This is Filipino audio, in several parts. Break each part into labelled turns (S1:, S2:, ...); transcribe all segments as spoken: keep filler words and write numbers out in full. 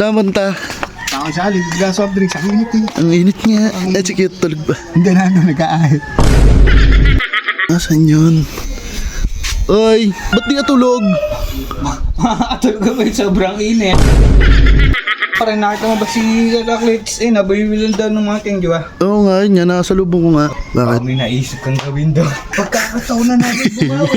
S1: Saan banta?
S2: Ako sa alig, glass of drinks, ang init eh.
S1: Ang init nga. Eh, sige, tulog ba?
S2: Hindi na ano, nag-aahit.
S1: Nasaan yun? Oy, ba't di ka tulog?
S3: Makakatulog ka ba yung sobrang init? Parang nakita mo ba si Heraclitus eh, nabayibilan daw ng mga king, di ba?
S1: Oo nga, yun nga, nakasalubong ko nga. Bakit?
S3: May naisip kang gawin daw. Pagkakataon na natin bumawi.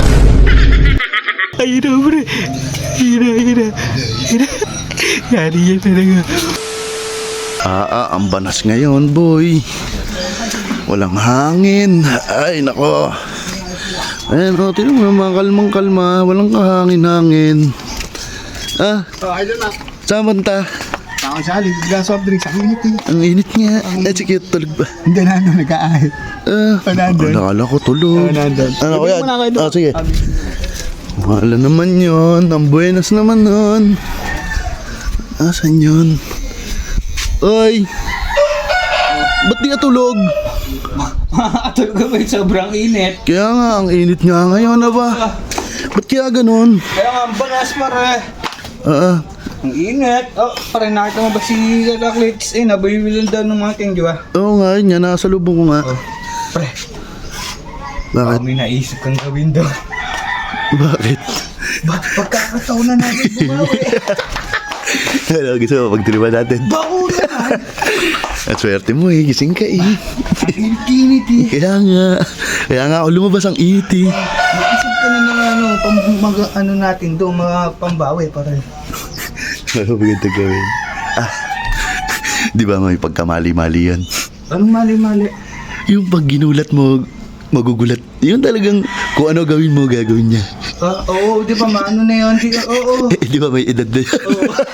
S1: Ay, na, pre. Hira, hira. Hira. Yari yan talaga. Ah, ah, ang banas ngayon, boy. Walang hangin. Ay, nako. Ayan, o, tinan mo naman, kalmang-kalma. Walang kahangin-hangin. Ah,
S2: Oh, idol na.
S1: saan banta?
S2: Ako sa alig, glass of drinks, ang init eh.
S1: Ang init nga. Eh, sige, tulog ba?
S2: Hindi na ano, nag-aahit.
S1: Ah,
S2: Oh, nandun.
S1: oh, nakala ko tulog.
S2: Oh, nandun.
S1: Ano ko yan?
S2: Ibig mo na kayo doon.
S1: Ah, sige. Wala naman yun. Ang buenas naman nun. Asan yun? Oy! Ba't di ka tulog?
S3: Makakatulog ka ba yung sobrang init?
S1: Kaya nga, ang init nga ngayon na ba? Ba't kaya ganun?
S3: Kaya nga, ang banas pare.
S1: Ah,
S3: Ang init. Oh, parang nakita mo ba si Heraclitus eh, nabayibilan daw ng mga king, di ba?
S1: oo nga, yun nga, nakasalubong ko nga.
S3: Pre,
S1: Bakit?
S3: may naisip kang gawin daw.
S1: Bakit?
S3: Pagkakataon na natin bumawi.
S1: Ano, gusto mo pagtiriman natin?
S3: Bako naman.
S1: At swerte mo eh, gising ka eh.
S3: Ang init eh.
S1: Kaya nga, kaya nga ako lumabas ang init eh.
S3: Mag-isip ka na ng ano, pang, mag, ano natin doon, mga pambawi pare.
S1: Ano maganda gawin? Ah, di ba may pagkamali-mali yan?
S3: Anong mali-mali?
S1: Yung pag ginulat mo, magugulat. Yun talagang kung ano gawin mo, gagawin niya.
S3: Ah, oo, di ba maano na yun? Di, oo, oo.
S1: Eh, di ba may edad na yan?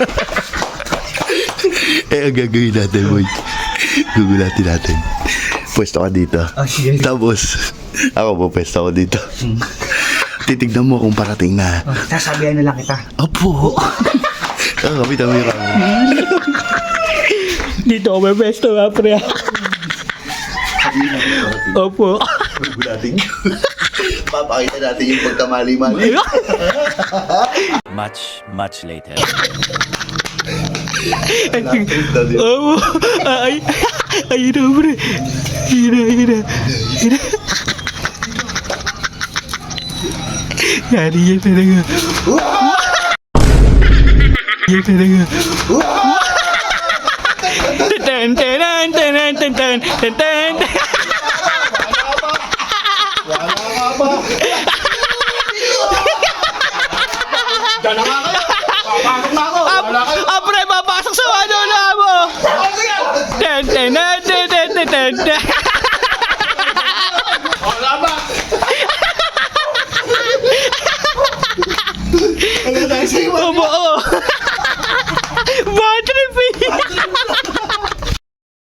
S1: Eh, ang gagawin natin, boy. Gugulatin natin. Pwesto ka dito.
S3: Ah, sige.
S1: Tapos, ako po, pwesto ako dito. Titignan mo kung parating na.
S3: Oh, sasabihan na lang kita.
S1: Apo! Ah, kapit ang mira.
S3: Dito ako may besto nga, pre. Opo.
S1: Gugulatin nyo. Papakita natin yung pagkamali-mali.
S4: Much, much later.
S3: Opo. Ay, ay, na, pre. Hira, hira. Hira. Yari yan talaga. Yan talaga. Ten, ten, ten, ten, ten, ten, ten, ten. Ah, pre, papasok sa ano na mo! Ten, ten, ten, ten, ten, ten, ten, ten. Opo, oo.